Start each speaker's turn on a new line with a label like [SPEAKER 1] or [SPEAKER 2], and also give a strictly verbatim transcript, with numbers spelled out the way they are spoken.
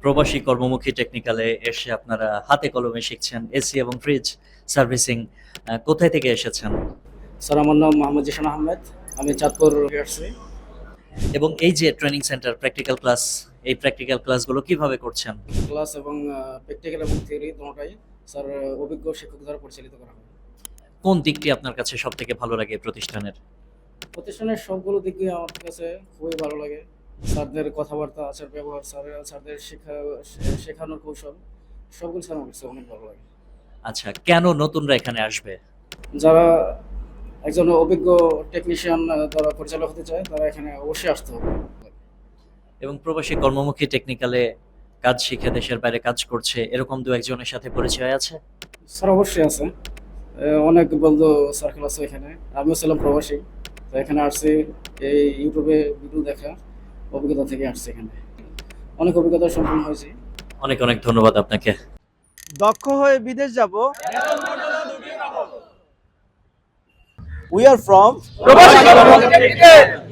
[SPEAKER 1] প্রবাসী কর্মমুখী টেকনিক্যালে এসে আপনারা হাতে কলমে শিখছেন এসি এবং ফ্রিজ সার্ভিসিং। আহ, কোথায় থেকে এসেছেন?
[SPEAKER 2] স্যার, আমার নাম মোহাম্মদ জিশান আহমেদ। আমি চাঁদপুর থেকে আসছি।
[SPEAKER 1] এবং এই যে ট্রেনিং সেন্টার প্র্যাকটিক্যাল ক্লাস, এই প্র্যাকটিক্যাল ক্লাসগুলো কিভাবে করছেন?
[SPEAKER 2] ক্লাস এবং প্র্যাকটিক্যাল এবং থিওরি দুটোটাই স্যার অভিজ্ঞ শিক্ষক দ্বারা পরিচালিত করা হয়।
[SPEAKER 1] কোন দিকটি আপনার কাছে সব থেকে ভালো লাগে এই প্রতিষ্ঠানের?
[SPEAKER 2] প্রতিষ্ঠানের সবগুলো দিকই আমার কাছে খুবই ভালো লাগে। স্যারদের কথাবার্তা, আচার ব্যবহার, স্যার স্যারদের শেখা শেখানোর কৌশল, সবগুলো স্যার আমার কাছে অনেক ভালো লাগে।
[SPEAKER 1] আচ্ছা, কেন নতুনরা এখানে আসবে?
[SPEAKER 2] যারা একজন অভিজ্ঞ টেকনিশিয়ান দ্বারা পরিচালক হতে চায় তারা এখানে অবশ্যই আসতে হবে।
[SPEAKER 1] এবং প্রবাসী কর্মমুখী টেকনিক্যালে কাজ শিখে দেশের বাইরে কাজ করছে এরকম দু একজনের সাথে পরিচয় আছে?
[SPEAKER 2] স্যার অবশ্যই আছে। এ, অনেক বন্ধু সার্কেল আছে এখানে। আমিও ছিলাম প্রবাসী, তো এখানে আসছি এই ইউটিউবে ভিডিও দেখা অভিজ্ঞতা থেকে আসছি। এখানে অনেক অভিজ্ঞতা সম্পন্ন হয়েছে।
[SPEAKER 1] অনেক অনেক ধন্যবাদ আপনাকে।
[SPEAKER 3] দক্ষ হয়ে বিদেশ যাব। উই আর ফ্রম
[SPEAKER 4] প্রবাসী কর্মমুখী টেকনিক্যাল।